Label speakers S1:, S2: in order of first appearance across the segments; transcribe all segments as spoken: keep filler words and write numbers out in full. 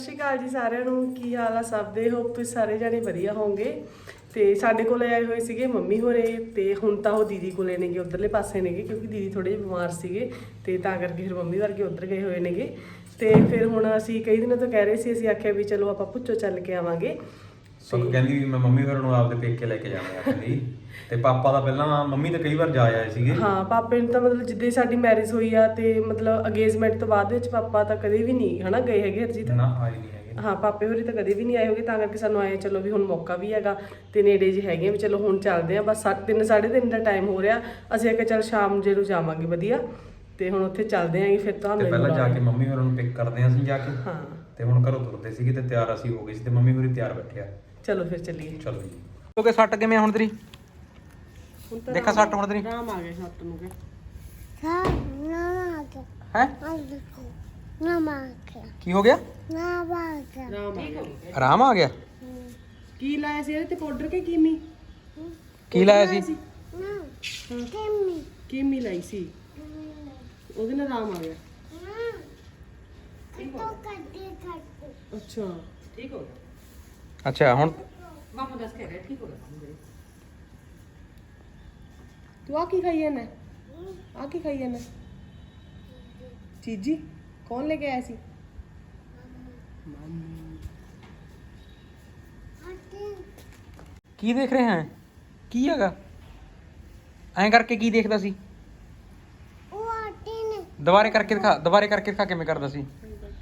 S1: ਸਤਿ ਸ਼੍ਰੀ ਅਕਾਲ ਜੀ ਸਾਰਿਆਂ ਨੂੰ। ਕੀ ਹਾਲ ਆ ਸਭ ਦੇ? ਹੋਪ ਤੁਸੀਂ ਸਾਰੇ ਜਾਣੇ ਵਧੀਆ ਹੋਵੋਗੇ। ਤੇ ਸਾਡੇ ਕੋਲੇ ਆਏ ਹੋਏ ਸੀਗੇ ਮੰਮੀ ਹੋਰੇ, ਤੇ ਹੁਣ ਤਾਂ ਉਹ ਦੀਦੀ ਕੋਲੇ ਨੇਗੇ, ਉਧਰਲੇ ਪਾਸੇ ਨੇਗੇ, ਕਿਉਂਕਿ ਦੀਦੀ ਥੋੜੇ ਜਿਹੇ ਬਿਮਾਰ ਸੀਗੇ ਤੇ ਤਾਂ ਕਰਕੇ ਫਿਰ ਮੰਮੀ ਵਰਗੇ ਉੱਧਰ ਗਏ ਹੋਏ ਨੇਗੇ। ਤੇ ਫਿਰ ਹੁਣ ਅਸੀਂ ਕਈ ਦਿਨਾਂ ਤੋਂ ਕਹਿ ਰਹੇ ਸੀ, ਅਸੀਂ ਆਖਿਆ ਵੀ ਚਲੋ ਆਪਾਂ ਭੁੱਚੋ ਚੱਲ ਕੇ ਆਵਾਂਗੇ।
S2: ਸੁੱਖ ਕਹਿੰਦੀ ਵੀ ਮੈਂ ਮੰਮੀ ਹੋਰਾਂ ਨੂੰ ਆਪਦੇ ਪੇਕੇ ਲੈ ਕੇ ਜਾਣਾ ਆਪਣੀ, ਤੇ ਪਾਪਾ ਦਾ ਪਹਿਲਾਂ ਮੰਮੀ ਤਾਂ ਕਈ ਵਾਰ ਜਾ ਆਏ ਸੀਗੇ।
S1: ਹਾਂ, ਪਾਪੇ ਨੂੰ ਤਾਂ ਮਤਲਬ ਜਿੱਦੇ ਸਾਡੀ ਮੈਰਿਜ ਹੋਈ ਆ ਤੇ ਮਤਲਬ ਅੰਗੇਜਮੈਂਟ ਤੋਂ ਬਾਅਦ ਵਿੱਚ ਪਾਪਾ ਤਾਂ ਕਦੇ ਵੀ ਨਹੀਂ ਹਨਾ ਗਏ ਹੈਗੇ ਹਰਜੀਤ।
S2: ਨਾ ਆਏ ਨਹੀਂ ਹੈਗੇ।
S1: ਹਾਂ, ਪਾਪੇ ਹੋਰੀ ਤਾਂ ਕਦੇ ਵੀ ਨਹੀਂ ਆਏ ਹੋਗੇ, ਤਾਂ ਕਰਕੇ ਸਾਨੂੰ ਆਏ ਚਲੋ ਵੀ ਹੁਣ ਮੌਕਾ ਵੀ ਹੈਗਾ ਤੇ ਨੇੜੇ ਜਿਹੇ ਹੈਗੇ ਵੀ ਚਲੋ ਹੁਣ ਚੱਲਦੇ ਆ। ਬਸ ਤਿੰਨ ਸਾਢੇ ਤਿੰਨ ਦਾ ਟਾਈਮ ਹੋ ਰਿਹਾ, ਅਸੀਂ ਆਖਿਆ ਚੱਲ ਸ਼ਾਮ ਜੇ ਨੂੰ ਜਾਵਾਂਗੇ ਵਧੀਆ, ਤੇ ਹੁਣ ਉੱਥੇ ਚੱਲਦੇ ਆਂਗੇ। ਫਿਰ ਤੁਹਾਨੂੰ
S2: ਪਹਿਲਾਂ ਜਾ ਕੇ ਮੰਮੀ ਹੋਰਾਂ ਨੂੰ ਪਿਕ ਕਰਦੇ ਆਂ ਅਸੀਂ ਜਾ ਕੇ।
S1: ਹਾਂ,
S2: ਤੇ ਹੁਣ ਘਰੋਂ ਤੁਰਦੇ ਸੀਗੇ ਤੇ ਤਿਆਰ ਅਸੀਂ ਹੋ ਗਏ ਸੀ ਤੇ ਮੰਮੀ ਹੋਰੀ ਤਿਆਰ ਬੈਠੇ ਆ।
S1: ਚਲੋ ਫਿਰ ਚੱਲੀਏ।
S2: ਚਲੋ ਜੀ।
S3: ਕਿਉਂਕਿ ਸੱਟ ਕਿਵੇਂ ਹੁਣ ਤੇਰੀ? ਦੇਖਾ ਸੱਟ ਹੁਣ ਤੇਰੀ
S1: ਆਰਾਮ ਆ ਗਿਆ ਸੱਟ ਨੂੰ ਕੇ।
S3: ਹੈ ਕੀ ਹੋ ਗਿਆ?
S1: ਆਰਾਮ ਆ ਗਿਆ।
S3: ਆਰਾਮ ਆ ਗਿਆ।
S1: ਕੀ ਲਾਇਆ ਸੀ ਇਹਦੇ ਤੇ ਪਾਊਡਰ ਕੇ ਕੀਮੀ?
S3: ਕੀ ਲਾਇਆ ਸੀ?
S1: ਕੀਮੀ ਕੀਮੀ ਲਾਈ ਸੀ, ਉਹਦੇ ਨਾਲ ਆਰਾਮ ਆ ਗਿਆ। ਅੱਛਾ, ਠੀਕ ਹੋ ਗਿਆ।
S3: ਅੱਛਾ ਹੁਣ
S1: ਮਾਮਾ ਦੱਸ ਕੇ ਰਿਹਾ ਠੀਕ ਹੋ ਗਿਆ। ਤੂੰ ਆ ਕੀ ਖਾਈ ਜਾਂਦਾ? ਆ ਕੀ ਖਾਈ ਜਾਂਦਾ? ਚੀਜੀ ਕੌਣ ਲੈ ਕੇ ਆਇਆ ਸੀ?
S3: ਕੀ ਦੇਖ ਰਹੇ ਹੈ? ਕੀ ਹੈਗਾ? ਐਂ ਕਰਕੇ ਕੀ ਦੇਖਦਾ ਸੀ? ਦੁਬਾਰੇ ਕਰਕੇ ਦਿਖਾ, ਦੁਬਾਰੇ ਕਰਕੇ ਦਿਖਾ ਕਿਵੇਂ ਕਰਦਾ ਸੀ?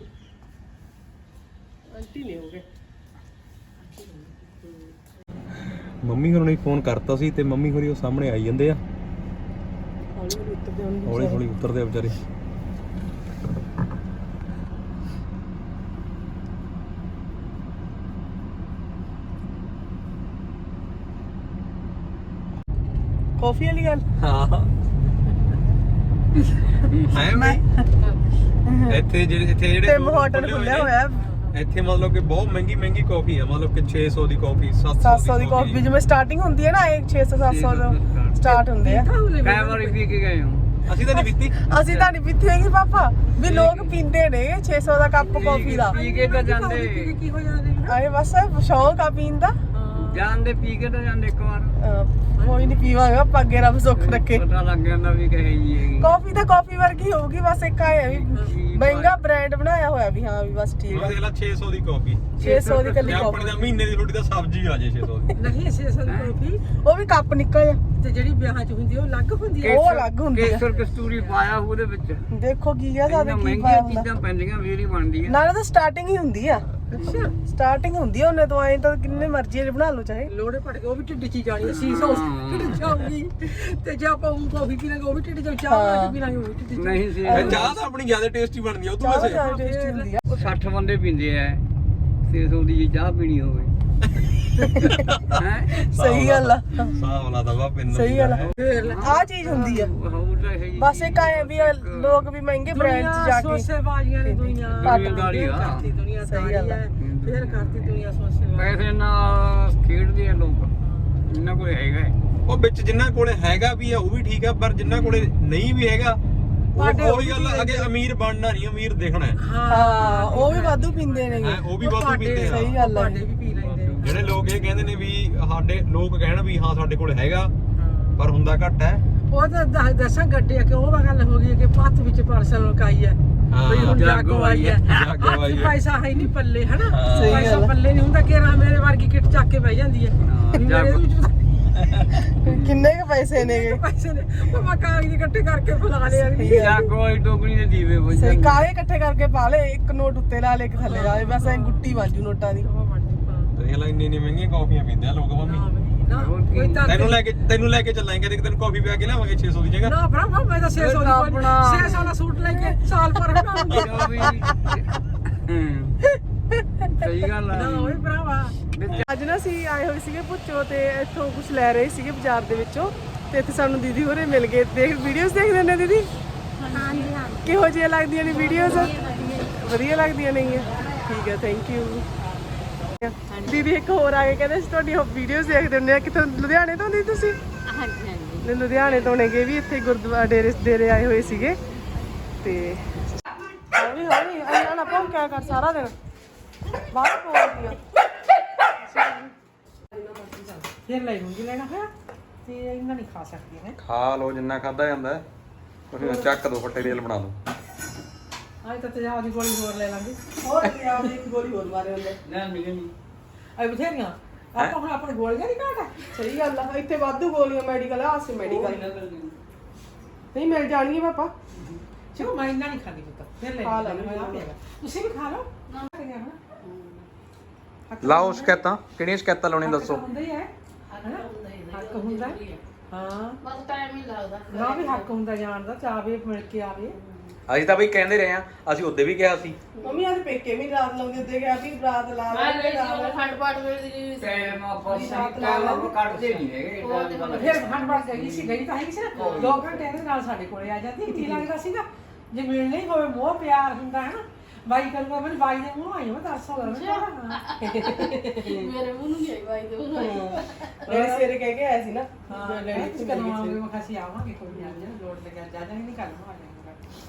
S1: ਆਂਟੀ ਨੇ ਹੋ ਗਏ।
S2: ਮੰਮੀ ਹੋਰਾਂ ਨੇ ਫੋਨ ਕਰਤਾ ਸੀ ਤੇ ਮੰਮੀ ਹੋਰੀ ਉਹ ਸਾਹਮਣੇ ਆਈ ਜਾਂਦੇ ਆ।
S1: ਹੌਲੀ ਹੌਲੀ ਉੱਤਰਦੇ ਹੋਣਗੇ।
S2: ਹੌਲੀ ਹੌਲੀ ਉਤਰਦੇ ਆ ਵਿਚਾਰੇ।
S1: ਕਾਫੀ ਵਾਲੀ ਗੱਲ।
S2: ਹਾਂ ਹੈ ਮੈਂ ਇੱਥੇ ਜਿਹੜੇ ਇੱਥੇ ਜਿਹੜੇ
S1: ਤੇ ਹੋਟਲ ਖੁੱਲਿਆ ਹੋਇਆ
S2: ਇੱਥੇ, ਮਤਲਬ ਕਿ ਬਹੁਤ ਮਹਿੰਗੀ ਮਹਿੰਗੀ ਕਾਫੀ ਆ, ਮਤਲਬ ਕਿ ਛੇ ਸੌ ਦੀ ਕਾਫੀ,
S1: ਸੱਤ ਸੌ ਦੀ ਕਾਫੀ ਜਿਵੇਂ ਸਟਾਰਟਿੰਗ ਹੁੰਦੀ ਹੈ ਨਾ, ਇਹ ਛੇ ਸੌ ਸੱਤ ਸੌ ਤੋਂ ਸਟਾਰਟ ਹੁੰਦੇ ਆ।
S3: ਕਈ ਵਾਰੀ ਪੀ ਕੇ ਗਏ ਹੋ?
S2: ਅਸੀਂ ਤਾਂ ਨਹੀਂ ਪੀਤੀ।
S1: ਅਸੀਂ ਤਾਂ ਨਹੀਂ ਪੀਤੀ ਹੈਗੀ ਪਾਪਾ, ਵੀ ਲੋਕ ਪੀਂਦੇ ਨੇ ਛੇ ਸੌ ਦਾ ਕੱਪ ਕਾਫੀ ਦਾ।
S3: ਪੀ ਕੇ ਤਾਂ ਜਾਂਦੇ
S1: ਕੀ ਹੋ ਜਾਂਦੇ ਆਏ, ਬਸ ਸ਼ੌਕ ਆ ਪੀਣ ਦਾ।
S3: ਜਾਂਦੇ ਪੀ ਕੇ ਤਾਂ ਜਾਂਦੇ ਇੱਕ ਵਾਰ।
S1: ਅਹ ਕੋਈ ਨਹੀਂ ਪੀਵਾਂਗੇ ਆਪਾਂ, ਅੱਗੇ ਰੱਬ ਸੁੱਖ ਰੱਖੇ।
S3: ਪਤਾ ਲੱਗ ਜਾਂਦਾ ਵੀ ਕਹੇ ਜੀ ਹੈਗੀ।
S1: ਕਾਫੀ ਤਾਂ ਕਾਫੀ ਵਰਗੀ ਹੋਊਗੀ, ਬਸ ਇੱਕ ਆਇਆ ਵੀ ਮਹਿੰਗਾ ਬ੍ਰਾਂਡ ਬਣਾਇਆ ਹੋਇਆ ਵੀ ਹਾਂ ਵੀ ਬਸ ਠੀਕ
S2: ਉਹ ਦੇਖ ਲੈ ਛੇ ਸੌ ਦੀ ਕਾਫੀ,
S1: ਛੇ ਸੌ ਦੀ ਕੱਲੀ
S2: ਆਪਣੀ
S1: ਕਾਫੀ।
S2: ਤਾਂ ਮਹੀਨੇ ਦੀ ਰੋਟੀ ਦਾ ਸਬਜ਼ੀ ਆ ਜੇ ਛੇ ਸੌ ਦੀ।
S4: ਨਹੀਂ ਛੇ ਸੌ ਦੀ ਕਾਫੀ
S1: ਉਹ ਵੀ ਕੱਪ ਨਿੱਕਾ ਜਿਹਾ,
S4: ਤੇ ਜਿਹੜੀ ਵਿਆਹਾਂ 'ਚ ਹੁੰਦੀ ਆ ਉਹ ਅਲੱਗ ਹੁੰਦੀ ਆ।
S1: ਉਹ ਅਲੱਗ ਹੁੰਦੀ ਆ।
S3: ਕੇਸਰ ਕਸਤੂਰੀ ਪਾਇਆ ਉਹਦੇ ਵਿੱਚ।
S1: ਦੇਖੋ ਕੀ ਆ ਸਾਡੇ ਕੀ
S3: ਮਹਿੰਗੀਆਂ
S1: ਪਾਇਆ ਹੁੰਦਾ।
S3: ਚੀਜ਼ਾਂ ਪੈਂਦੀਆਂ ਫੇਰ ਹੀ ਬਣਦੀ ਆ।
S1: ਨਾਲੇ ਤਾਂ ਸਟਾਰਟਿੰਗ ਹੀ ਹੁੰਦੀ ਆ।
S4: ਅੱਛਾ,
S1: ਸਟਾਰਟਿੰਗ ਹੁੰਦੀ ਆ ਉਹਨੇ ਤੋਂ, ਐਂ ਤਾਂ ਕਿੰਨੇ ਮਰਜ਼ੀ ਦੇ ਬਣਾ ਲਓ ਚਾਹੇ।
S4: ਲੋੜੇ ਪਟ ਕੇ ਉਹ ਵੀ ਢਿੱਡ 'ਚ ਹੀ ਜਾਣੀ ਛੇ ਸੌ ਢਿੱਡ 'ਚ ਆਊਗੀ। ਤੇ ਜੇ ਆਪਾਂ ਉਹ ਕਾਫੀ ਪੀ ਲਾਂਗੇ ਉਹ ਵੀ ਢਿੱਡ 'ਚ, ਚਾਹ ਬਣਾ ਕੇ ਪੀ ਲਾਂਗੇ ਉਹ ਵੀ ਢਿੱਡ 'ਚ।
S3: ਨਹੀਂ ਸੀ
S2: ਇਹ ਚਾਹ ਤਾਂ ਆਪਣੀ ਜ਼ਿਆਦਾ ਟੇਸਟੀ ਬਣਦੀ ਆ ਉਹ ਤੋਂ
S1: ਚਾਹ
S2: ਵੈਸੇ।
S1: ਜ਼ਿਆਦਾ ਟੇਸਟੀ ਹੁੰਦੀ ਆ।
S3: ਉਹ ਸੱਠ ਬੰਦੇ ਪੀਂਦੇ ਆ, ਛੇ ਸੌ ਦੀ ਜੇ ਚਾਹ ਪੀਣੀ ਹੋਵੇ। ਹੈ
S1: ਸਹੀ ਗੱਲ ਆ,
S2: ਸਾਹ ਵਾਲਾ ਦਵਾ ਪਿੰਨ।
S1: ਸਹੀ ਗੱਲ ਆ।
S4: ਫੇਰ ਲੈ
S1: ਆਹ ਚੀਜ਼ ਹੁੰਦੀ ਆ। ਬਸ ਇੱਕ ਆਏ ਵੀ ਆ, ਲੋਕ ਵੀ ਮਹਿੰਗੇ ਬ੍ਰਾਂਡ 'ਚ ਜਾ ਕੇ
S4: ਸੋਸੇ ਬਾਜੀਆਂ ਨੇ ਦੁਨੀਆ
S1: ਘੱਟ
S3: ਦੁਨੀਆਦਾਰੀ ਆ।
S4: ਕਰਤੀ ਦੁਨੀਆ
S1: ਸਹੀ ਗੱਲ ਆ।
S4: ਫੇਰ ਕਰਤੀ ਦੁਨੀਆ ਸੋਸੇ ਬਾਜੀ।
S3: ਪੈਸੇ ਨਾਲ ਖੇਡਦੇ ਆ ਲੋਕ, ਇਹਨਾਂ ਕੋਲ ਹੈਗਾ ਹੈ।
S2: ਉਹ ਵਿੱਚ ਜਿੰਨਾਂ ਕੋਲੇ ਹੈਗਾ ਵੀ ਆ ਉਹ ਵੀ ਠੀਕ ਆ, ਪਰ ਜਿੰਨਾਂ ਕੋਲੇ ਨਹੀਂ ਵੀ ਹੈਗਾ ਉਹ ਉਹੀ ਗੱਲ ਆ, ਅੱਗੇ ਅਮੀਰ ਬਣਨਾ ਨਹੀਂ, ਅਮੀਰ ਦਿਖਣਾ ਹੈ।
S1: ਹਾਂ, ਉਹ ਵੀ ਵਾਧੂ ਪੀਂਦੇ ਨੇ।
S2: ਹੈਂ, ਉਹ ਵੀ ਵਾਧੂ ਪੀਂਦੇ ਆ।
S1: ਸਹੀ ਗੱਲ ਆ।
S4: ਭਾਂਡੇ ਵੀ ਪੀ ਲੈਂਦੇ ਆ।
S2: ਜਿਹੜੇ ਲੋਕ ਇਹ ਕਹਿੰਦੇ ਨੇ ਵੀ ਸਾਡੇ ਲੋਕ ਕਹਿਣ ਵੀ ਹਾਂ ਸਾਡੇ ਕੋਲ ਹੈਗਾ, ਪਰ ਹੁੰਦਾ ਘੱਟ ਹੈ।
S4: ਉਹ ਤਾਂ ਦਸ- ਦਸਾਂ ਗੱਡੇ ਕਿ ਉਹ ਗੱਲ ਹੋ ਗਈ ਕਿ ਪੱਤ ਵਿੱਚ ਪਰਸਨ ਲੁਕਾਈ ਹੈ
S2: ਹਾਂ,
S4: ਵੀ ਹੁਣ ਜਾਗੋ ਆਈ ਹੈ।
S2: ਜਾਗੋ
S4: ਹੱਥ
S2: ਆਈ ਹੈ।
S4: ਪੈਸਾ ਹੈ ਨਹੀਂ ਪੱਲੇ ਹਨਾ,
S1: ਸਹੀ
S4: ਪੈਸਾ
S1: ਗੱਲ ਆ।
S4: ਪੱਲੇ ਨਹੀਂ ਹੁੰਦਾ ਕਿ ਰਾ ਮੇਰੇ ਵਰਗੀ ਕਿੱਟ ਚੱਕ ਕੇ ਬਹਿ ਜਾਂਦੀ ਹੈ। ਵੀ ਮੇਰੇ
S3: ਜਾਗੋ।
S4: ਵਿੱਚ ਤਾਂ
S1: ਕਿੰਨੇ ਕੁ ਪੈਸੇ ਨੇਗੇ?
S4: ਪੈਸੇ ਨੇ ਉਹ ਮੈਂ ਕਾਗਜ਼ ਇਕੱਠੇ ਕਰਕੇ ਫੁਲਾ ਲਿਆ ਵੀ
S3: ਜਾਗੋ ਵਾਲੀ ਟੋਕਰੀ ਦੇ ਦੀਵੇ ਬੁਝ
S1: ਸਹੀ,
S3: ਜਾਂਦੇ।
S1: ਕਾਲੇ ਇਕੱਠੇ ਕਰਕੇ ਪਾ ਲੇ, ਇੱਕ ਨੋਟ ਉੱਤੇ ਲਾ ਲੇ, ਇੱਕ ਥੱਲੇ ਲਾ ਲੇ, ਬਸ ਐਂ ਗੁੱਟੀ ਬਣ ਜੂ ਨੋਟਾਂ ਦੀ।
S2: ਦੇਖ ਲੈ ਇੰਨੀ ਇੰਨੀ ਮਹਿੰਗੀਆਂ ਕਾਫੀਆਂ ਪੀਂਦੇ ਆ ਲੋਕ ਮੰਮੀ।
S4: ਨਾ ਕੋਈ ਤਾਂ
S2: ਤੈਨੂੰ ਲੈ ਕੇ ਤੈਨੂੰ ਲੈ ਕੇ ਚੱਲਾਂਗੇ ਕਦੇ, ਤੈਨੂੰ ਕਾਫੀ ਪਿਆ ਕੇ ਲਿਆਵਾਂਗੇ ਛੇ ਸੌ ਦੀ ਜਗ੍ਹਾ।
S4: ਨਾ ਭਰਾ ਮੈਂ ਤਾਂ ਛੇ ਸੌ ਦੀ
S1: ਆਪਣਾ।
S4: ਛੇ ਸੌ ਦਾ ਸੂਟ ਲੈ ਕੇ ਸਾਲ ਭਰ ਬਣਾਉਂਗੀ।
S3: ਜੋ ਵੀ ਹੂੰ ਸਹੀ ਗੱਲ ਆ।
S4: ਨਾ ਓਏ ਭਰਾਵਾ
S1: ਅੱਜ ਨਾ ਅਸੀਂ ਆਏ ਹੋਏ ਸੀਗੇ ਭੁੱਚੋ, ਤੇ ਇੱਥੋਂ ਕੁਝ ਲੈ ਰਹੇ ਸੀਗੇ ਬਾਜ਼ਾਰ ਦੇ ਵਿੱਚੋਂ, ਤੇ ਇੱਥੇ ਸਾਨੂੰ ਦੀਦੀ ਹੋਰੇ ਮਿਲ ਗਏ। ਦੇਖ ਵੀਡੀਓਜ਼ ਦੇਖਦੇ ਨੇ ਦੀਦੀ?
S5: ਹਾਂਜੀ ਹਾਂਜੀ
S1: ਕਿਹੋ ਜਿਹੀਆਂ ਲੱਗਦੀਆਂ ਨੇ ਵੀਡੀਓਜ਼? ਵਧੀਆ ਲੱਗਦੀਆਂ ਨੇਗੀਆਂ, ਠੀਕ ਹੈ, ਥੈਂਕ ਯੂ। ਦੀਦੀ ਇੱਕ ਹੋਰ ਆ ਕੇ ਕਹਿੰਦੇ ਅਸੀਂ ਤੁਹਾਡੀ ਵੀਡੀਓਜ਼ ਦੇਖਦੇ ਹੁੰਦੇ ਆ। ਕਿੱਥੋਂ? ਲੁਧਿਆਣੇ ਤੋਂ? ਨਹੀਂ ਤੁਸੀਂ?
S5: ਹਾਂਜੀ ਹਾਂਜੀ
S1: ਲੁਧਿਆਣੇ ਤੋਂ ਨੇਗੇ ਵੀ, ਇੱਥੇ ਗੁਰਦੁਆਰਾ ਡੇਰੇ ਡੇਰੇ ਆਏ ਹੋਏ ਸੀਗੇ। ਤੇ ਹੌਲੀ ਹੌਲੀ ਅੰਨਾ ਨਾ ਭੌਂਕਿਆ ਕਰ ਸਾਰਾ ਦਿਨ। ਬਾਹਰ ਬੋਲਦੀਆਂ
S4: ਫਿਰ ਲੈ ਲੂੰਗੀ ਲੈਣਾ ਹੋਇਆ ਤੇ ਇਹਨਾਂ ਨਹੀਂ ਖਾ ਸਕਦੀ ਹੈ
S2: ਖਾ ਲਓ ਜਿੰਨਾ ਖਾਦਾ ਜਾਂਦਾ ਤੁਸੀਂ ਚੱਕ ਦੋ ਫੱਟੇ ਰੇਲ ਬਣਾ ਲਓ
S4: ਅੱਜ ਤਾਂ ਤੇਜ਼ਾਬ ਦੀ ਗੋਲੀ ਹੋਰ ਲੈ ਲਾਂਗੇ
S1: ਹੋਰ ਪੰਜਾਬ ਦੀ ਇੱਕ ਗੋਲੀ ਹੋਰ ਮਾਰੇ ਹੁੰਦੇ
S4: ਅਈ ਬਥੇਰੀਆਂ ਆਪਾਂ ਹੁਣ ਆਪਣੇ ਗੋਲੀਆਂ ਦੀ ਘਾਟ ਹੈ
S1: ਸਹੀ ਗੱਲ ਆ ਇੱਥੇ ਵਾਧੂ ਗੋਲੀਆਂ ਮੈਡੀਕਲ ਆ ਆਸੇ ਮੈਡੀਕਲ ਨਹੀਂ ਮਿਲ ਜਾਣਗੀਆਂ ਪਾਪਾ
S4: ਚਲੋ ਮੈਂ ਇੰਨਾ ਨਹੀਂ ਖਾਂਦੀ ਪੁੱਤ ਫਿਰ ਲੈ
S1: ਖਾ ਲੈ
S4: ਲੂੰਗੀ, ਮੈਂ ਆਪ ਲੈ ਲਾ। ਤੁਸੀਂ ਵੀ ਖਾ ਲਓ
S3: ਲਾਓ ਸ਼ਿਕਾਇਤਾਂ ਕਿਹੜੀਆਂ ਸ਼ਿਕਾਇਤਾਂ ਲਾਉਣੀਆਂ ਦੱਸੋ
S4: ਹੁੰਦਾ ਹੀ ਹੈ ਹਨਾ? ਹੱਕ ਹੁੰਦਾ ਹੈ। ਹਾਂ
S5: ਬਸ ਟਾਈਮ ਹੀ ਲੱਗਦਾ
S4: ਨਾ ਵੀ ਹੱਕ ਹੁੰਦਾ ਜਾਣ ਦਾ ਚਾਹਵੇ ਮਿਲ ਕੇ ਆਵੇ
S3: ਅਸੀਂ ਤਾਂ ਬਈ ਕਹਿੰਦੇ ਰਹੇ ਆ ਅਸੀਂ ਉਹਦੇ ਵੀ ਕਿਹਾ ਸੀ
S1: ਮੰਮੀ ਅੱਜ ਪੇਕੇ ਵੀ ਰਾਤ ਲਾਉਂਦੇ ਉੱਤੇ ਗਿਆ ਵੀ ਰਾਤ ਲਾ
S5: ਮੈਂ
S1: ਲੈ
S5: ਗਈ ਸੀ ਉਹ ਖੰਡ ਪਾਠ ਵੇਲੇ ਦੀ
S6: ਟਾਈਮ ਆਪਾਂ ਟਾਈਮ ਕੱਢਦੇ ਨਹੀਂ ਹੈਗੇ
S4: ਫਿਰ ਖੰਡ ਬਾੜ ਗਈ ਸੀ ਗਈ ਤਾਂ ਹੈ ਸੀ ਨਾ ਦੋ ਘੰਟੇ ਦੇ ਨਾਲ ਸਾਡੇ ਕੋਲੇ ਆ ਜਾਂਦੀ ਕੀ ਲੱਗਦਾ ਸੀਗਾ ਜੇ ਮਿਲ ਨਹੀਂ ਹੋਵੇ ਮੋਹ ਪਿਆਰ ਹੁੰਦਾ ਹੈ ਨਾ ਬਾਈ ਕਰੂਗਾ ਮੈਨੂੰ ਬਾਈ ਦੇ ਮੂੰਹ ਆਈ ਮੈਂ ਦੱਸ ਹੋ ਗਿਆ
S5: ਮੇਰੇ ਮੂੰਹ ਨੂੰ ਨਹੀਂ ਆਈ ਬਾਈ ਦੇ ਮੂੰਹ ਨੂੰ ਆਈ।
S1: ਮੇਰੇ ਸਵੇਰੇ ਕਹਿ ਕੇ ਆਇਆ ਸੀ ਨਾ
S4: ਹਾਂ
S1: ਡੈਡੀ
S4: ਤੁਸੀਂ ਕਰਵਾਓਗੇ ਮੈਂ ਖਾਸੀ ਆਵਾਂਗੇ ਕੋਈ ਨਹੀਂ ਆ ਜਾਣਾ ਲੋੜ ਲੱਗਿਆ ਜਾ ਜਾਣੀ ਨਹੀਂ ਕੱਲ ਨੂੰ ਆ ਜਾਵਾਂਗਾ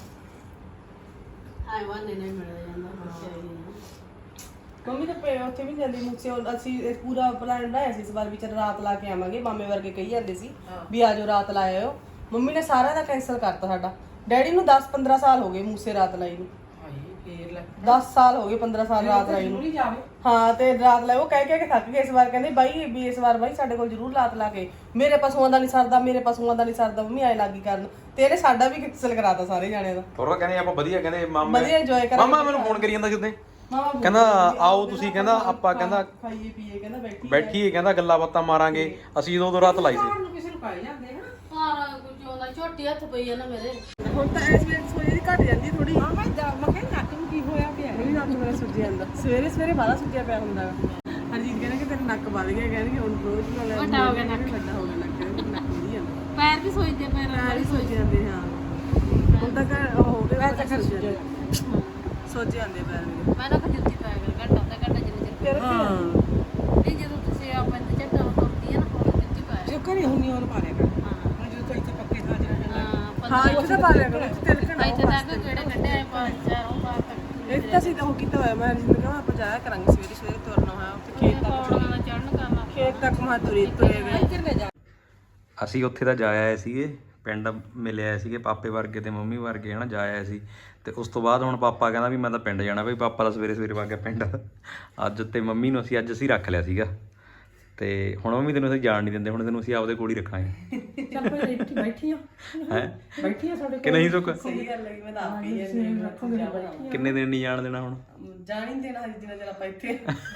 S5: ਆਏ ਵਾਨੇ ਨਹੀਂ ਮਿਲਦਾ ਜਾਂਦਾ ਬੱਚੇ ਆਈ ਨੇ
S1: ਮੰਮੀ ਤਾਂ ਪਏ ਉੱਥੇ ਵੀ ਨੀ ਜਾਂਦੀ ਮੁਕਸੇ ਹੁਣ ਅਸੀਂ ਇਹ ਪੂਰਾ ਪਲਾਨ ਬਣਾਇਆ ਸੀ ਇਸ ਵਾਰ ਵੀ ਚੱਲ ਰਾਤ ਲਾ ਕੇ ਆਵਾਂਗੇ ਮਾਮੇ ਵਰਗੇ ਕਹੀ ਜਾਂਦੇ ਸੀ ਵੀ ਆਜੋ ਰਾਤ ਲਾ ਆਇਓ ਮੰਮੀ ਨੇ ਸਾਰਾ ਦਾ ਕੈਨਸਲ ਕਰਤਾ ਸਾਡਾ ਡੈਡੀ ਨੂੰ ਦਸ ਪੰਦਰਾਂ ਸਾਲ ਹੋ ਗਏ ਮੂਸੇ ਰਾਤ ਲਾਈ ਨੂੰ
S4: ਫੇਰ ਲੈ
S1: ਦਸ ਸਾਲ ਹੋ ਗਏ ਪੰਦਰਾਂ ਸਾਲ ਰਾਤ ਲਾਈ ਨੂੰ
S4: ਨਹੀਂ ਜਾਵੇ
S1: ਹਾਂ ਤੇ ਰਾਤ ਲਾਏ ਉਹ ਕਹਿ ਕਹਿ ਕੇ ਥੱਕ ਗਏ ਇਸ ਵਾਰ ਕਹਿੰਦੇ ਬਾਈ ਵੀ ਇਸ ਵਾਰ ਬਾਈ ਸਾਡੇ ਕੋਲ ਜ਼ਰੂਰ ਰਾਤ ਲਾ ਕੇ ਮੇਰੇ ਪਸ਼ੂਆਂ ਦਾ ਨਹੀਂ ਸਰਦਾ ਮੇਰੇ ਪਸ਼ੂਆਂ ਦਾ ਨਹੀਂ ਸਰਦਾ ਮੰਮੀ ਆਏ ਲੱਗੀ ਕਰਨ ਤੇ ਇਹਨੇ ਸਾਡਾ ਵੀ ਕੈਨਸਲ ਕਰਾਤਾ ਸਾਰੇ ਜਾਣਿਆਂ ਦਾ
S3: ਥੋੜਾ ਕਹਿੰਦੇ ਆਪਾਂ ਵਧੀਆ ਕਹਿੰਦੇ ਮਾਮਾ
S1: ਵਧੀਆ enjoy ਕਰਾਂਗੇ।
S3: ਮਾਮਾ ਮੈਨੂੰ ਫੋਨ ਕਰੀ ਜਾਂਦਾ ਜਿੱਦਾਂ
S1: ਮਾਮਾ ਬੋਲ
S3: ਕਹਿੰਦਾ
S1: ਰਿਹਾ ਵੀ
S3: ਆਓ ਤੁਸੀਂ ਕਹਿੰਦਾ ਆਪਾਂ ਕਹਿੰਦਾ
S1: ਖਾਈਏ ਪੀਏ ਕਹਿੰਦਾ ਬੈਠੀ
S3: ਬੈਠੀਏ ਕਹਿੰਦਾ ਗੱਲਾਂ ਬਾਤਾਂ ਮਾਰਾਂਗੇ ਅਸੀਂ ਉਦੋਂ ਉਦੋਂ ਰਾਤ ਲਾਈ ਸੀ
S4: ਨੂੰ ਕਿਸੇ ਨੂੰ ਪਾਈ ਜਾਂਦੇ ਹਨ
S5: ਸਾਰਾ ਕੁਝ ਆਉਂਦਾ ਛੋਟੀ ਹੱਥ ਪਈ ਆ ਨਾ ਮੇਰੇ
S1: ਹੁਣ ਤਾਂ ਇਸ ਵੇਲੇ ਸੋਈ ਦੀ ਘਟ ਜਾਂਦੀ ਥੋੜੀ
S4: ਹਾਂ ਮੈਂ ਜਾ ਮੈਂ ਕਹਿੰਦਾ ਨੱਕ ਨੂੰ ਕੀ ਹੋਇਆ ਪਿਆ
S1: ਮੇਰੀ ਨੱਕ ਮੇਰਾ ਸੁੱਜਿਆ ਜਾਂਦਾ ਸਵੇਰੇ ਸਵੇਰੇ ਬਾਹਲਾ ਸੁੱਜਿਆ ਪਿਆ ਹੁੰਦਾ ਹਰਜੀਤ ਕਹਿੰਦਾ ਕਿ ਤੇਰਾ ਨੱਕ ਵੱਧ ਗਿਆ ਕਹਿੰਦੇ ਹੁਣ ਰੋਜ਼ ਨਾਲ
S5: ਵੱਡਾ ਹੋ ਗਿਆ ਨੱਕ।
S1: ਵੱਡਾ ਹੋ ਗਿਆ ਨੱਕ ਕਹਿੰਦੇ ਨੱਕ ਨਹੀਂ ਜਾਂਦਾ
S5: ਪੈਰ ਵੀ ਸੋਈਦੇ ਪੈਰ
S1: ਪੈਰ ਹੀ ਸੁੱਜ ਜਾਂਦੇ ਹਾਂ ਹੁਣ ਤਾਂ ਘਰ ਉਹ ਹੋ ਗਿਆ ਤਾਂ ਕਰ ਸੁੱਜ ਸੁੱਜ ਜਾਂਦੇ ਪੈਰ ਮੇਰੇ
S5: ਮੈਂ ਨਾ ਖਜੁੱਤੀ ਪੈ ਗਿਆ ਘੰਟਾ ਅੱਧਾ ਘੰਟਾ ਜਿੰਨੇ ਚਿਰ
S1: ਤੇਰਾ
S4: ਹਾਂ
S5: ਨਹੀਂ ਜਦੋਂ ਤੁਸੀਂ ਆਪਾਂ ਤੇ ਝੱਟਾ ਤੁਰਦੀ ਆ ਨਾ ਉਹ ਜੁੱਤੀ ਪਾਇਆ
S4: ਜੋ ਕਰੀ ਹੁੰਨੀ ਹੋਰ ਪਾ ਲਿਆ ਕਰ
S5: ਹਾਂ
S4: ਹੁਣ ਜਦੋਂ ਤੋਂ ਇੱਥੇ ਪੱਕੇ ਥਾਂ ਜਿਹੜਾ
S5: ਹਾਂ
S1: ਹਾਂ ਇੱਥੇ ਤਾਂ ਪਾ ਲਿਆ ਕਰੋ ਇੱਥੇ ਤਿਲਕਣਾ
S5: ਇੱਥੇ ਤੱਕ ਕਿਹੜੇ ਕੱਢੇ ਆਏ ਪੰਜ ਚਾਰ ਉਹ ਬਾਹਰ ਤੱਕ
S1: ਇਹ ਤਾਂ ਅਸੀਂ ਤਾਂ ਉਹ ਕੀਤਾ ਹੋਇਆ ਮੈਂ ਜਿੰਦ ਕਹਾਂ ਆਪਾਂ ਜਾਇਆ ਕਰਾਂਗੇ ਸਵੇਰੇ ਸਵੇਰੇ ਤੁਰਨਾ ਹੋਇਆ ਉੱਥੇ ਖੇਤ ਤੱਕ
S5: ਪੌੜਾਂ ਨਾਲ ਚੜਨ ਕਰਨਾ
S1: ਖੇਤ ਤੱਕ ਮਾ ਤੁਰੇ ਤੁਰੇ ਗਏ
S4: ਇੱਧਰ ਲੈ ਜਾ
S3: ਅਸੀਂ ਉੱਥੇ ਤਾਂ ਜਾ ਆਏ ਸੀਗੇ ਪਿੰਡ ਮਿਲੇ ਆਏ ਸੀਗੇ ਪਾਪੇ ਵਰਗੇ ਤੇ ਮੰਮੀ ਵਰਗੇ ਹਨਾ ਜਾ ਆਏ ਸੀ ਤੇ ਉਸ ਤੋਂ ਬਾਅਦ ਹੁਣ ਪਾਪਾ ਕਹਿੰਦਾ ਵੀ ਮੈਂ ਤਾਂ ਪਿੰਡ ਜਾਣਾ ਬਈ ਪਾਪਾ ਦਾ ਸਵੇਰੇ ਸਵੇਰੇ ਵਗ ਗਿਆ ਪਿੰਡ ਅੱਜ ਤੇ ਮੰਮੀ ਨੂੰ ਅਸੀਂ ਅੱਜ ਅਸੀਂ ਰੱਖ ਲਿਆ ਸੀਗਾ ਤੇ ਹੁਣ ਮੰਮੀ ਤੈਨੂੰ ਅਸੀਂ ਜਾਣ ਨਹੀਂ ਦਿੰਦੇ ਹੁਣ ਤੈਨੂੰ ਅਸੀਂ ਆਪਦੇ ਕੋਲ ਹੀ ਰੱਖਾਂਗੇ
S4: ਚੱਲ ਭਾਈ ਇੱਥੇ ਬੈਠੀ ਆ
S3: ਹੈ
S4: ਬੈਠੀ ਆ ਸਾਡੇ
S3: ਕਿ ਨਹੀਂ ਸੁੱਕ
S1: ਸਹੀ ਗੱਲ ਹੈ ਮੈਂ ਤਾਂ ਆਪ ਹੀ ਜਾਂਦੀ
S4: ਰੱਖੋਗੇ ਬੈਠੀ
S3: ਕਿੰਨੇ ਦਿਨ ਨਹੀਂ ਜਾਣ ਦੇਣਾ ਹੁਣ
S1: ਜਾਣ ਹੀ ਨੀ ਦੇਣਾ ਹਜੇ ਜਿੰਨਾ ਚਿਰ ਆਪਾਂ ਇੱਥੇ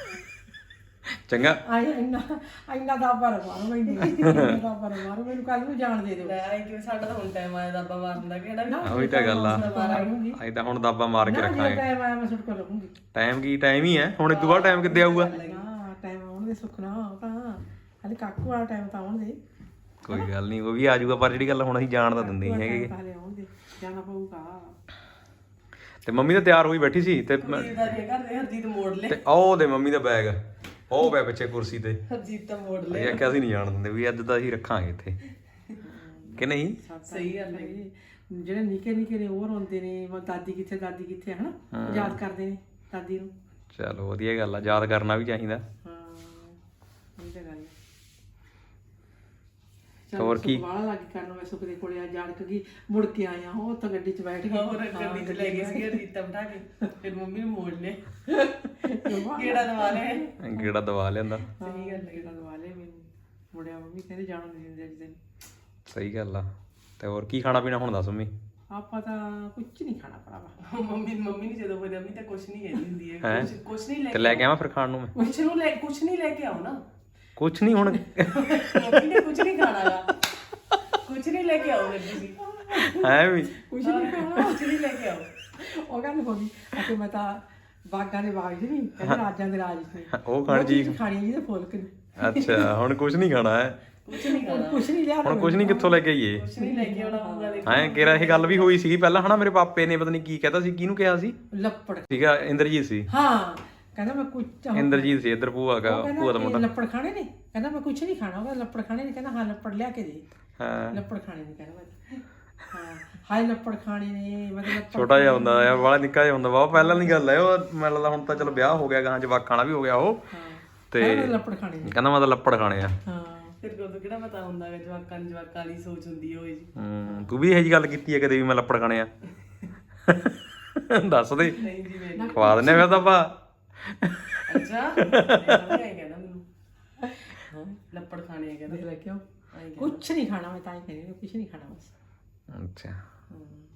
S3: ਚੰਗਾ
S4: ਆਈ ਇੰਨਾ ਇੰਨਾ ਦਾ ਪਰ ਮਾਰੋ ਮੈਨੂੰ ਇੰਨਾ ਦਾ ਪਰ ਮਾਰੋ ਮੈਨੂੰ ਕੱਲ ਨੂੰ ਜਾਣ ਦੇ ਦਿਓ
S1: ਲੈ ਆਈ ਕਿ ਸਾਡਾ ਤਾਂ ਹੁਣ ਟਾਈਮ ਆਇਆ ਦਾਬਾ ਮਾਰਨ ਦਾ ਕਿਹੜਾ ਵੀ
S3: ਉਹੀ ਤਾਂ ਗੱਲ ਆ
S4: ਮਾਰਾਂਗੀ
S3: ਅਸੀਂ ਤਾਂ ਹੁਣ ਦਾਬਾ ਮਾਰ ਕੇ
S4: ਨਾ ਜੇ
S3: ਰੱਖਾਂਗੇ
S4: ਟਾਈਮ ਆਇਆ ਮੈਂ ਸੁੱਟ ਕੇ ਰਹੂੰਗੀ
S3: ਟਾਈਮ ਕੀ ਟਾਈਮ ਹੀ ਹੈ ਹੁਣ ਇਦੋਂ ਬਾਅਦ ਟਾਈਮ ਕਿੱਦੇ ਆਊਗਾ
S4: ਹਾਂ ਟਾਈਮ ਆਉਣ ਦੇ ਸੁੱਖਣਾ ਤਾਂ ਹਾਲੇ ਕਾਕੂ ਵਾਲਾ ਟਾਈਮ ਤਾਂ ਆਉਣ ਦੇ
S3: ਕੋਈ ਗੱਲ ਨਹੀਂ ਉਹ ਵੀ ਆ ਜਾਊਗਾ ਪਰ ਜਿਹੜੀ ਗੱਲ ਹੁਣ ਅਸੀਂ ਜਾਣ ਤਾਂ ਦਿੰਦੇ ਨਹੀਂ ਹੈਗੇ
S4: ਹਾਲੇ ਆਉਣ ਦੇ ਜਾਣਾ ਪਊਗਾ
S3: ਤੇ ਮੰਮੀ ਤਾਂ ਤਿਆਰ ਹੋਈ ਬੈਠੀ ਸੀ ਤੇ ਮੈਂ-
S1: ਦੀਦਾਰੀ ਘਰ ਦੇ ਹਰਜੀਤ ਮੋੜ ਲੈ
S3: ਤੇ ਉਹ ਦੇ ਮੰਮੀ ਦਾ ਬੈਗ ਉਹ ਪਿਆ ਪਿੱਛੇ ਕੁਰਸੀ ਤੇ
S1: ਹਰਜੀਤ ਤਾਂ ਮੋੜ ਲੈ
S3: ਅਸੀਂ ਆਖਿਆ ਅਸੀਂ ਨਹੀਂ ਜਾਣ ਦਿੰਦੇ ਵੀ ਅੱਜ ਤਾਂ ਅਸੀਂ ਰੱਖਾਂਗੇ ਇੱਥੇ ਕਿ ਨਹੀਂ
S1: ਸਹੀ ਗੱਲ ਹੈ
S4: ਜਿਹੜੇ ਨਿੱਕੇ ਨਿੱਕੇ ਨੇ ਉਹ ਰੋਂਦੇ ਨੇ ਮੈਂ ਦਾਦੀ ਕਿੱਥੇ ਦਾਦੀ ਕਿੱਥੇ ਹਨਾ ਯਾਦ ਕਰਦੇ ਨੇ ਦਾਦੀ ਨੂੰ
S3: ਚਲੋ ਵਧੀਆ ਗੱਲ ਆ ਯਾਦ ਕਰਨਾ ਵੀ ਚਾਹੀਦਾ
S4: ਹਾਂ ਇਹ ਤਾਂ ਗੱਲ ਹੈ
S3: ਹੋਰ ਕੀ?
S4: ਵਾਲਾ ਲੱਗ ਕਰਨ ਮੈਂ ਸੁਖ ਦੇ ਕੋਲੇ ਆ ਜਾਣ ਕੇ ਮੁੜ ਕੇ ਆਇਆ ਉਹ ਤਾਂ ਗੱਡੀ 'ਚ ਬੈਠ ਗਈ
S1: ਹੋਰ ਗੱਡੀ 'ਚ ਲੈ ਗਏ ਸੀ ਹਰਜੀਤ ਬਿਠਾ ਕੇ ਫਿਰ ਮੰਮੀ ਨੂੰ ਮੋੜ ਲੈ ਕਿਹੜਾ ਦਵਾ ਲੈ
S3: ਗੇੜਾ ਦਵਾ ਲਿਆਂਦਾ
S4: ਸਹੀ ਗੱਲ ਹੈ ਦਵਾ ਲੈ ਮੈਨੂੰ ਮੁੜਿਆ ਮੰਮੀ ਕਹਿੰਦੇ ਜਾਣ ਨਹੀਂ ਦਿੰਦੇ ਅੱਜ ਦਿਨ
S3: ਸਹੀ ਗੱਲ ਆ ਤੇ ਹੋਰ ਕੀ ਖਾਣਾ ਪੀਣਾ ਹੁਣ ਦੱਸ ਮੰਮੀ
S4: ਆਪਾਂ ਤਾਂ ਕੁਝ ਨਹੀਂ ਖਾਣਾ ਭਰਾਵਾ
S1: ਮੰਮੀ ਮੰਮੀ ਨੇ ਜਦੋਂ ਬੋਲਿਆ ਮੰਮੀ ਤਾਂ ਕੁਛ ਨਹੀਂ ਕਹਿੰਦੀ ਹੁੰਦੀ ਹੈ
S3: ਹੈਂ?
S1: ਕੁਛ ਕੁਛ ਨਹੀਂ ਲੈ
S3: ਤੇ ਲੈ ਕੇ ਆਵਾਂ ਫਿਰ ਖਾਣ ਨੂੰ ਮੈਂ
S1: ਕੁਛ ਨੂੰ ਲੈ ਕੁਛ ਨਹੀਂ ਲੈ ਕੇ ਆਓ ਨਾ
S3: ਕੁਛ ਨਹੀਂ ਹੁਣ
S1: ਮੰਮੀ ਨੇ ਕੁਛ ਨਹੀਂ ਖਾਣਾਗਾ ਕੁਛ ਨਹੀਂ ਲੈ ਕੇ ਆਓ ਫਿਰ ਤੁਸੀਂ
S3: ਹੈ ਵੀ
S4: ਕੁਝ ਨਹੀਂ ਖਾਣਾ
S1: ਕੁਛ ਨਹੀਂ ਲੈ ਕੇ ਆਓ
S4: ਉਹ ਕਹਿੰਦੇ ਮੰਮੀ ਅਤੇ ਮੈਂ ਤਾਂ ਬਾਗਾਂ ਦੇ ਬਾਗ ਜੀ ਨਹੀਂ ਕਹਿੰਦੇ ਰਾਜਾਂ ਦੇ ਰਾਜ ਨੇ
S3: ਉਹ ਖਾਣ ਜੀ
S4: ਖਾਣੀ ਜੀ ਤੇ ਫੁੱਲ ਕੇ
S3: ਅੱਛਾ ਹੁਣ ਕੁਛ ਨਹੀਂ ਖਾਣਾ ਹੈ
S1: ਕੁਛ ਨਹੀਂ ਖਾਣਾ
S4: ਕੁਝ ਨਹੀਂ ਲਿਆ
S3: ਹੁਣ ਕੁਛ ਨਹੀਂ ਕਿੱਥੋਂ ਲੈ ਕੇ ਆਈਏ
S1: ਕੁਛ ਨਹੀਂ ਲੈ ਕੇ ਆਉਣਾ ਹੋਊਗਾ ਦੇਖੋ
S3: ਐਂ ਕਿਹੜਾ ਇਹ ਗੱਲ ਵੀ ਹੋਈ ਸੀ ਪਹਿਲਾਂ ਹਨਾ ਮੇਰੇ ਪਾਪੇ ਨੇ ਪਤਾ ਨਹੀਂ ਕੀ ਕਹਤਾ ਸੀ ਕਿਹਨੂੰ ਕਿਹਾ ਸੀ
S4: ਲੱਪੜ
S3: ਸੀਗਾ ਇੰਦਰਜੀਤ ਸੀ
S4: ਹਾਂ ਕਹਿੰਦਾ ਮੈਂ ਕੁਝ
S3: ਇੰਦਰਜੀਤ ਸੀ ਇੱਧਰ ਭੂਆ ਦਾ ਭੂਆ ਦਾ ਮੁੰਡਾ
S4: ਲੱਪੜ ਖਾਣੇ ਨੇ ਕਹਿੰਦਾ ਮੈਂ ਕੁਝ ਨਹੀਂ ਖਾਣਾ ਉਹ ਲੱਪੜ ਖਾਣੇ ਨੇ ਕਹਿੰਦਾ ਹਾਂ ਲੱਪੜ ਲਿਆ ਕੇ ਦੇ
S3: ਹਾਂ
S4: ਲੱਪੜ ਖਾਣੇ ਨੇ ਕਹਿੰਦਾ ਮੈਂ ਹਾਂ ਹਾਏ ਲੱਪੜ ਖਾਣੇ ਨੇ ਮਤਲਬ
S3: ਛੋਟਾ ਜਿਹਾ ਹੁੰਦਾ ਆ ਬੜਾ ਨਿੱਕਾ ਜਿਹਾ ਹੁੰਦਾ ਵਾ ਪਹਿਲਾਂ ਦੀ ਗੱਲ ਹੈ ਉਹ ਮੈਨੂੰ ਲੱਗਦਾ ਹੁਣ ਤਾਂ ਚਲੋ ਵਿਆਹ ਹੋ ਗਿਆ ਗਾਂ ਜਵਾਕਾਂ ਵਾਲਾ ਵੀ ਹੋ ਗਿਆ ਉਹ ਤੇ
S4: ਹਾਂ ਲੱਪੜ ਖਾਣੇ ਨੇ
S3: ਕਹਿੰਦਾ ਮੈਂ ਤਾਂ ਲੱਪੜ ਖਾਣੇ ਆ
S4: ਹਾਂ
S1: ਫਿਰ ਕੋਲ ਕਿਹੜਾ ਪਤਾ ਹੁੰਦਾ ਹੈ ਜਵਾਕਾਂ ਨੂੰ ਜਵਾਕਾਂ ਵਾਲੀ ਸੋਚ ਹੁੰਦੀ ਹੋਏ ਜੀ
S3: ਹੂੰ ਤੂੰ ਵੀ ਇਹੋ ਜਿਹੀ ਗੱਲ ਕੀਤੀ ਹੈ ਕਦੇ ਵੀ ਮੈਂ ਲੱਪੜ ਖਾਣੇ ਆ ਦੱਸ ਦੇ
S1: ਨਹੀਂ ਜੀ ਮੈਂ
S3: ਖਵਾ ਦਿੰਨੇ ਫਿਰ ਤਾਂ ਆਪਾਂ
S1: ਅੱਛਾ ਇਹ ਕਹਿੰਦਾ ਮੈਨੂੰ ਹਾਂ ਲੱਪੜ ਖਾਣੇ ਆ ਕਹਿੰਦਾ
S4: ਦੇਖ ਲੈ ਕਿਉਂ ਕੁਛ ਨਹੀਂ ਖਾਣਾ ਮੈਂ ਤਾਂ ਹੀ ਕਹਿੰਦੀ ਕੁਛ ਨਹੀਂ ਖਾਣਾ ਬਸ
S3: ਅੱਛਾ
S1: ਹਮ।